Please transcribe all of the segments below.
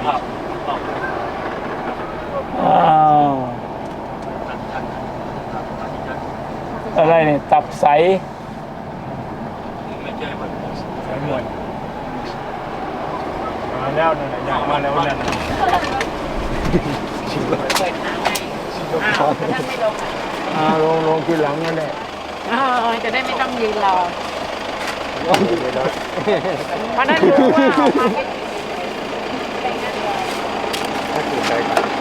อ้าวอะไรเนี่ยตับใสสายมวยมาแล้วนั่นแหละอยากมาแล้วนั่นลงทีหลังนั่นแหละจะได้ไม่ต้องยืนรอเพราะนั้นรู้ว่าออกมาแค่ไปนั่นเลยถ้าถูกใจก่อน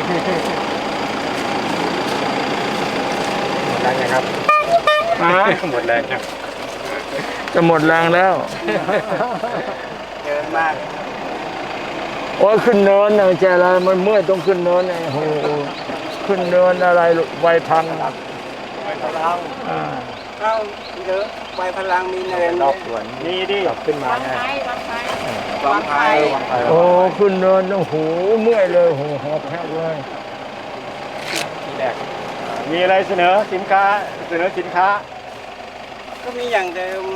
หมดแรงยังครับหมดแรงยังจะหมดแรงแล้วเยอะมากโอ้ยขึ้นเนินนะแกอะไรมันเมื่อยต้องขึ้นเนินไงโอ้โหขึ้นเนินอะไรไวพังไปพลังเข้าเยอะไปพลังมีเนินรอบสวนนี่ดิขึ้นมาไงวางไพ่โอ้ขึ้นเนินโอ้โหเมื่อยเลยโอ้โหหอบแห้งเลยทีแรกมีอะไรเสนอสินค้าก็มีอย่างเดิม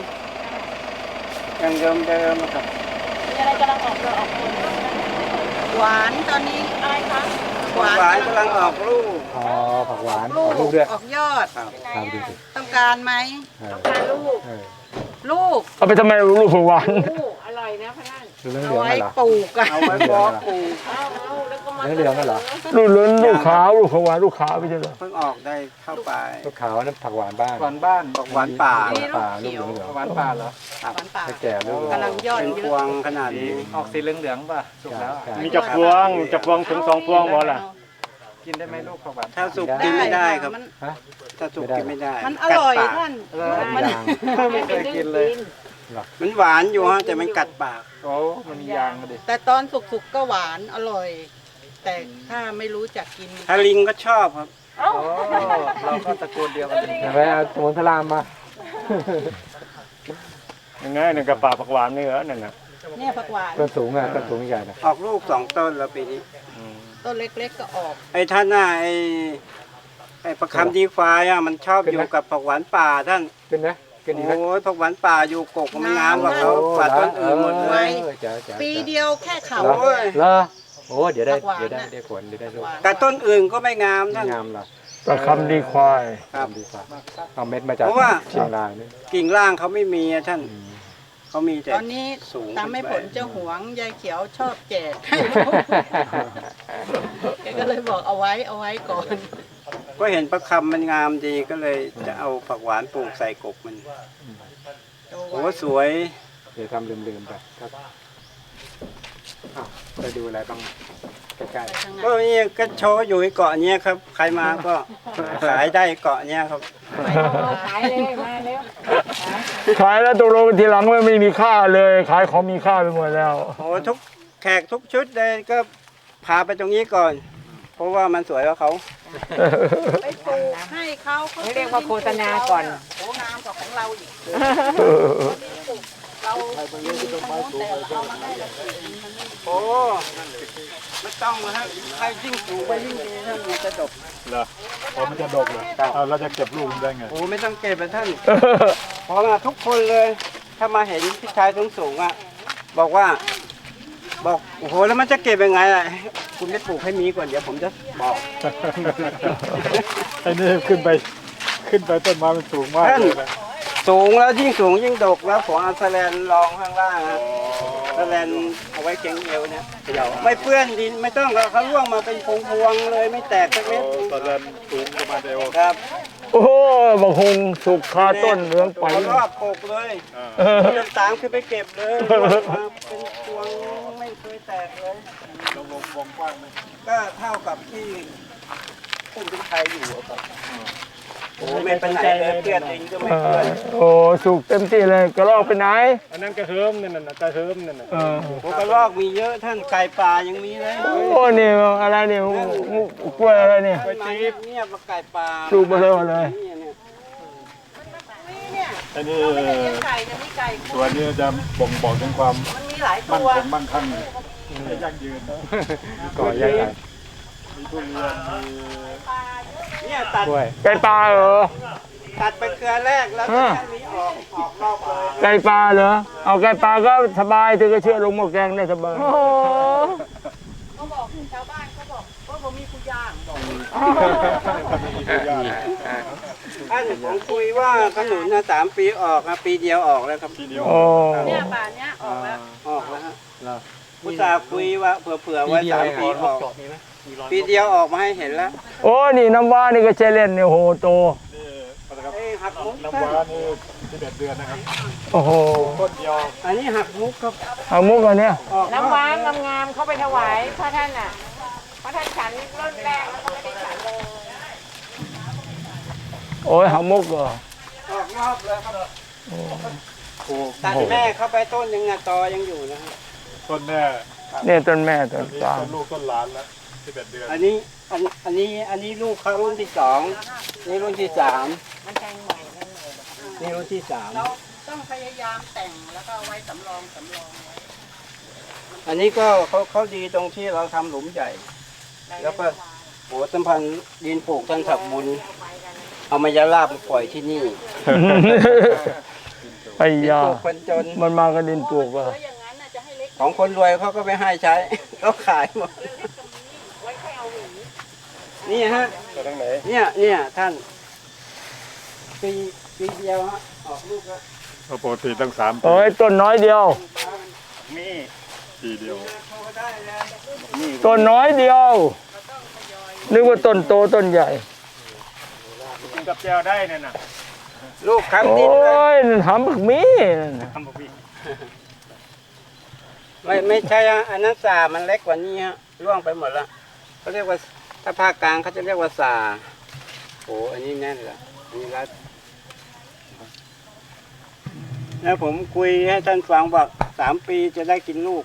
ครับมีอะไรกำลังออกเลยออกผลหวานตอนนี้อะไรคะหวานกำลังออกลูกอ๋อผักหวานออกลูกด้วยออกยอดทำดูสิต้องการไหมต้องการลูกลูกเอาไปทำไมลูกหวานลูกอร่อยนะพนันดูเรื่องเอาเหลืองไว้เหรอปลูกอะเอาไว้เพาะปลูกเอาแล้วก็มาเรื่องเหลืองเหรอลูกเหลืองลูกขาวลูกหวานลูกขาวไม่ใช่เหรอเพิ่งออกได้เข้าไปลูกขาวนั่นผักหวานบ้านหวานบ้านหวานป่าป่าลูกเหลืองเหลืองหวานป่าเหรอหวานป่าถ้าแก่ลูกกำลังยอดเป็นพวงขนาดนี้ออกสีเหลืองๆป่ะสุกแล้วอะมีจับพวงถึง2 พวงหมดล่ะกินได้ไหมลูกผักหวานถ้าสุกกินไม่ได้ครับฮะถ้าสุกกินไม่ได้มันอร่อยกัดปากท่านมันยางไม่เคยกินเลยมันหวานอยู่ฮะแต่มันกัดปากโอ้มันมียางดิแต่ตอนสุกๆก็หวานอร่อย แต่ถ้าไม่รู้จักกินถ้าลิงก็ชอบครับโอ้เราก็ตระกูลเดียวกันเลยไปเอาสมุนพระรามมายังไงหนึ่งกระป๋าผักหวานนี่เหรอนั่นน่ะเนี่ยผักหวานต้นสูงอ่ะต้นสูงใหญ่นะออกลูก2 ต้นแล้วปีนี้ต้นเล็กๆก็ออกไอ้ท่านน่ะไอ้ประคำดีควายอ่ะมันชอบอยู่กับผักหวานป่าท่านขึ้นไหมขึ้นดีไหมโอ้ยผักหวานป่าอยู่กกมันงามกว่าเขาป่าต้นอื่นหมดเลยปีเดียวแค่เขาเหรอโอ้เดี๋ยวได้ผลเดี๋ยวได้ลูกแต่ต้นอื่นก็ไม่งามท่านงามล่ะประคำดีควายครับดีกว่าเอาเม็ดมาจากเพราะว่าเชียงรายนี่กิ่งล่างเขาไม่มีอะท่านเขามีแต่ตอนนี้สูงตามไม่ผลเจ้าหวงยายเขียวชอบแจกแกก็เลยบอกเอาไว้ก่อนก็เห็นประคำมันงามดีก็เลยจะเอาผักหวานปลูกใส่กกมันโอ้สวยเดี๋ยวทำลืมๆไปครับอ้าวไปดูอะไรบ้างใกล้ก็นี่ก็โชว์อยู่ที่เกาะเนี้ยครับ ใครมาก็ขายได้เกาะเนี้ยครับขายเลยมาเร็วขายแล้วตกลงทีหลังไม่มีค่าเลยขายของมีค่าไปหมดแล้วโอ้ทุกแขกทุกชุดเลยก็พาไปตรงนี้ก่อน เพราะว่ามันสวยกว่าเขาไปปลูกให้เขาเรียกว่าโฆษณาก่อนโอ้งามกว่าของเราอีกเรามีทางโน้นแต่เรามาให้เราปลูกมันไม่โอ้ไม่ต้องนะฮะใครยิ่งสูงไปยิ่งดีท่านมันจะดกเหรอพอมันจะดกเลยเราจะเก็บลูกได้ไงโอ้ไม่ต้องเก็บนะท่านเพราะว่าทุกคนเลย ถ้ามาเห็นพี่ชายสูงๆอ่ะบอกโอ้โหแล้วมันจะเก็บยังไงอ่ะคุณไปปลูกให้มีก่อนเดี๋ยวผมจะบอกไอ้นี่ขึ้นไปต้นไม้มันสูงมากเลยนะสูงแล้วยิ่งสูงยิ่งดกแล้วผมเอาแสแลนรองข้างล่างฮะแสแลนเอาไว้เข็งเอวเนี่ยไม่เปื้อนดินไม่ต้องเขาล่วงมาเป็นพวงๆเลยไม่แตกสักเม็ดตอนนั้นสูงประมาณเดียวครับโอ้โหบางคงสุกคาต้นเหลืองไปรอบปกเลยจนตามคือไปเก็บเลยมาเป็นพวงไม่เคยแตกเลยลงวงกว้างไหมก็เท่ากับที่คุณเป็นไทยอยู่อะครับโอ้ไม่เป็นไหนเลยเพื่อนเองก็ไม่เพื่อนโอ้สุกเต็มที่เลยกระรอกไปไหนอันนั้นกระเฮิมนั่นน่ะกระเฮิมนั่นน่ะโอ้กระรอกมีเยอะท่านไก่ป่ายังมีเลยโอ้นี่อะไรเนี่ยกล้วยอะไรเนี่ยไปจีบเนี่ยมาไก่ป่าสูบมาเลยเลยอันนี้ไม่ได้เลี้ยงไก่จะมีไก่ตัวนี้จะบ่งบอกถึงความมันมีหลายมั่นตัวคงมั่งคั่งยั่งยืนก่อใหญ่มีทุเรียนมีเนี่ยตัดกล้วยไก่ปลาเหรอตัดไปเครือแรกแล้วก็แค่นี้ออกรอบเลยไก่ปลาเหรอเอาไก่ปลาก็สบายเธอก็เชื่อลงหม้อแกงได้สบายโอ้โหมีผู้ย่างบอกท่านผมคุยว่าขนุนนะ3 ปีออกนะปีเดียวออกแล้วครับโอ้เนี่ยป่านเนี้ยออกแล้วออกแล้วฮะอุตส่าห์คุยว่าเผื่อไว้3 ปีออกปีเดียวออกมาให้เห็นแล้วโอ้นี่น้ำว้านี่ก็ใช่เล่นเนี่ยโหโตเอ้ยหักมุกน้ำว้านี่11 เดือนนะครับโอ้โหต้นเดียวอันนี้หักมุกครับเอามุกอันเนี้ยออกน้ำว้างามๆเข้าไปถวายพระท่านอ่ะพระท่านฉันเริ่มแรกแล้วก็ไม่ได้ฉันเลยโอ้ยหามุกเหรอออกรอบเลยครับตัดแม่เข้าไปต้นยังไงตอยังอยู่นะฮะต้นแม่เนี่ยต้นแม่ต้นนี่กลางต้นลูกต้นหลานแล้ว11 เดือนอันนี้ลูกเขารุ่นที่2นี่รุ่นที่3 มันแทงใหม่นั่นเลยนี่รุ่นที่เราต้องพยายามแต่งแล้วก็เอาไว้สำรองไว้ 3อันนี้ก็เขาดีตรงที่เราทำหลุมใหญ่ แล้วก็โหสัมพันธ์ดินปลูกท่านศักดิ์บุญเอามายาลาบมาปล่อยที่นี่ไอ้ดินยาปลูกคนจนมันมากระดินปลูกว่ะอย่างนั้นน่ะจะให้เล็กของคนรวยเขาก็ไม่ให้ใช้ เขาขายหมดไว้แค่เอาหวีนี่ฮะไปทางไหนเนี่ยท่านปีเดียวฮะออกลูกแล้วปกติตั้ง3 ปีโอ้ยต้นน้อยเดียวปีเดียวต้นน้อยเดียว นึกว่าต้นโตต้นใหญ่กินกับแจวได้เนี่ยนะลูกโอค้ำดินเลย้ยนั่นหำบักมีนั่นน่ะทำบ่พี่ไม่ใช่ฮะอันนั้นสามันเล็กกว่านี้ฮะร่วงไปหมดละเขาเรียกว่าถ้าภาคกลางเขาจะเรียกว่าสาโอ้อันนี้แน่นละอันนี้รัดแล้วผมคุยให้ท่านฟังบอก3 ปีจะได้กินลูก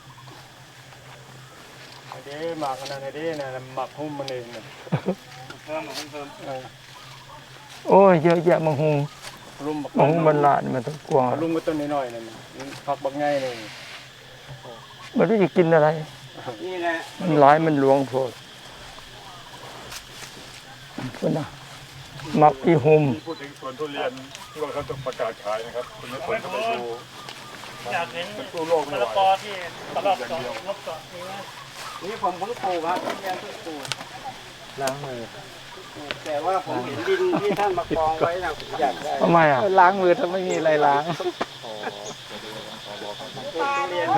เด้หมากอันนั้นเด้นะหมักหุ้มมันเองนะเพิ่มโอ้ยเยอะแยะมังหุงรุมบักมังหุงบรรลาดมันต้องกวางรุมก็ต้นน้อยๆนั่นผักบักง่ายเลยมันรู้จะกินอะไรนี่แหละมันหลายมันหลวงโพดพุ่นนะมักอีหุมพูดถึงสวนทุเรียนที่ว่าเขาจะประกาศขายนะครับคุณไม่ควรจะไปดูมันตู้โลกไม่ไหวตลอดอย่างเดียวนี่ผมเพิ่งปลูกครับทุเรียนเพิ่งปลูกล้างมือแต่ว่าผมเห็นดินที่ท่านมากองไว้นะผมอยากได้ทำไมอ่ะล้างมือถ้าไม่มีอะไรล้างปลูกทุเรียน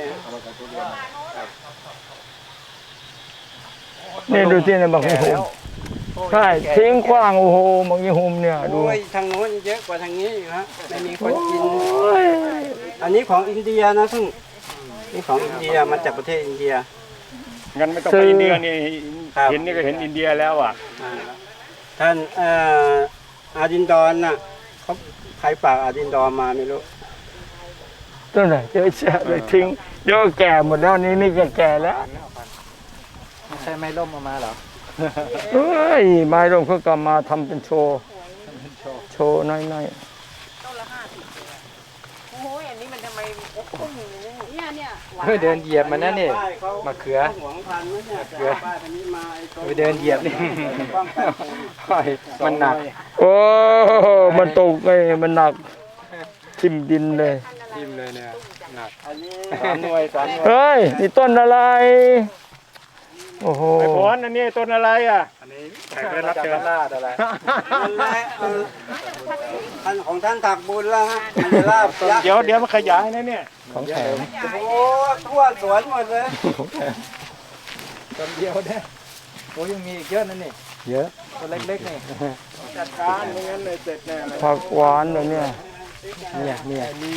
นี่ดูที่ในบางอีหุมใช่ทิ้งขว้างโอ้โหบางอีหุมเนี่ยดูโอ้ยทางโน้นเยอะกว่าทางนี้อยู่ฮะไม่มีคนกินโอ้ยอันนี้ของอินเดียนะท่านนี่ของอินเดียมาจากประเทศอินเดียงั้นไม่ต้องไปอินเดียนี่เห็นนี่ก็เห็นอินเดียแล้วอ่ะอ่าท่านอาดินดอนน่ะเขาใครฝากอาดินดอนมาไม่รู้ต้นไหนเยอะแยะเลยทิ้งเดี๋ยวก็แก่หมดแล้วนี่ก็แก่แล้วไม่ใช่ไม้ร่มเอามาเหรอเฮ้ยไม้ร่มเขาก็มาทำเป็นโชว์โชว์น้อยต้นละโอ้ยอันนี้มันทำไมพุ่งอย่างนี้เนี่ยหวานเฮ้ยเดินเหยียบมันนั่นนี่ป้ายเขามะเขือหวงพันธุ์นะเนี่ยเขือป้ายพันธุ์นี้มาไอ้ต้นไปเดินเหยียบนี่ป้องกันโควิดโอ้ยมันหนักๆโอ้มันตกไงมันหนักทิ่มดินเลยทิ่มเลยเนี่ยหนักอันนี้ 3 หน่วย 3 หน่วยเฮ้ยนี่ต้นอะไร โอ้โหไอ้พรอันนี้ต้นอะไรอ่ะ อันนี้แขกได้รับเชิญลาดอะไรนั่นแหละท่านของท่านถักบุญแล้วฮะมันจะลาบยักษ์เดี๋ยวมันขยายนะเนี่ยของแถมโอ้ทั่วสวนหมดเลยต้นเดียวเนี่ยโอ้ยังมีอีกเยอะนั่นนี่เยอะตัวเล็กๆนี่จัดการไม่งั้นเลยเสร็จแน่เลยผักหวานเลยเนี่ยเนี่ยมี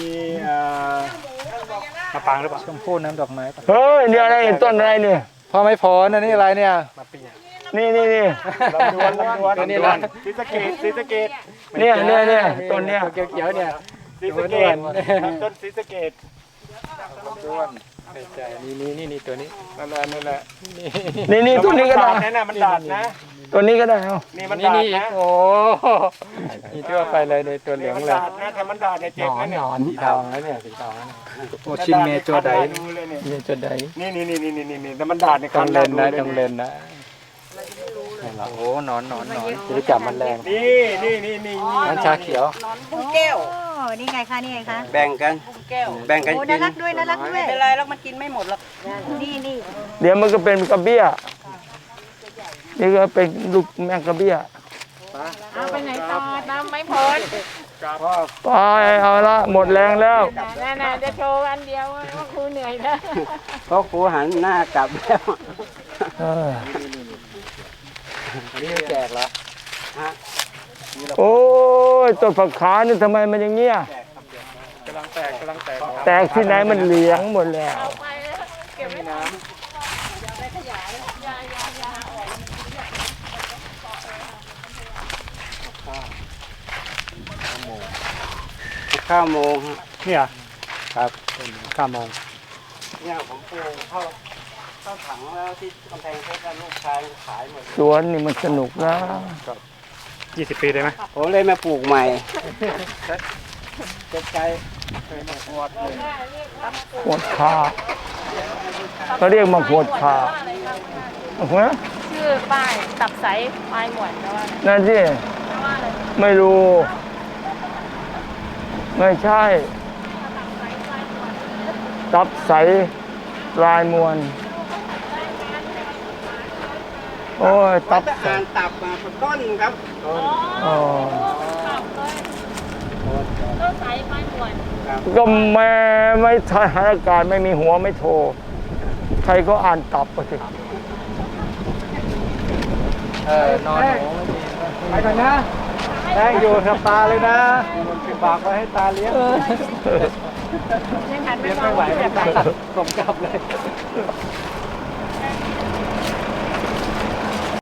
มะปางหรือเปล่าชมพู่น้ำดอกไม้ปะเฮ้ยนี่อะไรต้นอะไรเนี่ยพ่อไม่พอนะนี่อะไรเนี่ยนี่ลำดวนตัวนี้ละศรีสะเกษศรีสะเกษเนี่ยต้นเนี้ยเขียวๆเนี่ยศรีสะเกษต้นศรีสะเกษด้วนไม่ใช่นี่ตัวนี้นั่นแหละนี่ต้นนี้ก็ได้นั่นน่ะมันดาดนะต้นนี้ก็ได้เอานี่มันนี่ดาดนี่นะโอ้นี่ทั่วไปเลยในตัวเหลืองมันเลยดาดนะถ้ามันดาดเนี่ยเจ็บนะเนี่ยสีทองแล้วเนี่ยสีทองแล้วโอ้ชินเมโจไดดูเลยเนี่ยนี่จะได้นี่แต่มันดาดในต้องเล่นนะดูต้องเล่นนะโอ้หนอนจะได้จับมันแรงนี่น้ำชาเขียวนอนพุ่งแก้วโอ้นี่ไงคะ นี่ไงคะแบ่งกันพุ่งแก้วแบ่งกันโอ้กิน่าน รักด้วย น่ารักด้วยไม่เป็นไรแล้วมันกินไม่หมดหรอกนี่เดี๋ยวมันก็เป็นกระเบี้ยนี่ก็เป็นลูกแมงกะเบี้ยเอาไปไหนต่อน้ำไม่พ้นพ่อไปเอาละหมดแรงแล้วน่ะจะโชว์อันเดียวว่าครูเหนื่อยแล้วพ่อครูหันหน้ากลับแล้วเอออันนี้แจกเหรอฮะโอ้ยต้นผักขานี่ทำไมมันอย่างเงี้ยกำลังแตกแตกที่ไหนมันเหลียงหมดแล้วไปแล้วเก็บไว้น้ำ 9 โมงฮะเนี่ยครับ9 โมงเนี่ยผมปลูกเข้าถังแล้วที่กำแพงเพชรแล้วลูกชายขายหมดสวนนี่มันสนุกนะ 20 ปีได้ไหมผมเลยมาปลูกใหม่เจ็บใจหวดขาเขาเรียกมาหวดขาฮะชื่อป้ายตับใสปลายหมวนแล้วว่านั่นสิไม่รู้ ไม่ใช่ ตับใสลายมวลโอ้ยตับจะใสอ่านตับมาต้นครับอ๋อต้นใสปลายหมวนก็แม่ไม่ทหารอากาศไม่มีหัวไม่โทร ใครก็อ่านตับไปสินอนหนูไม่มีไปก่อนนะแป้งอยู่กับตาเลยนะฝากไว้ให้ตาเลี้ยงยังหันเลี้ยงไม่ไม่ไหวมองไม่ตาส่งกลับเลยเ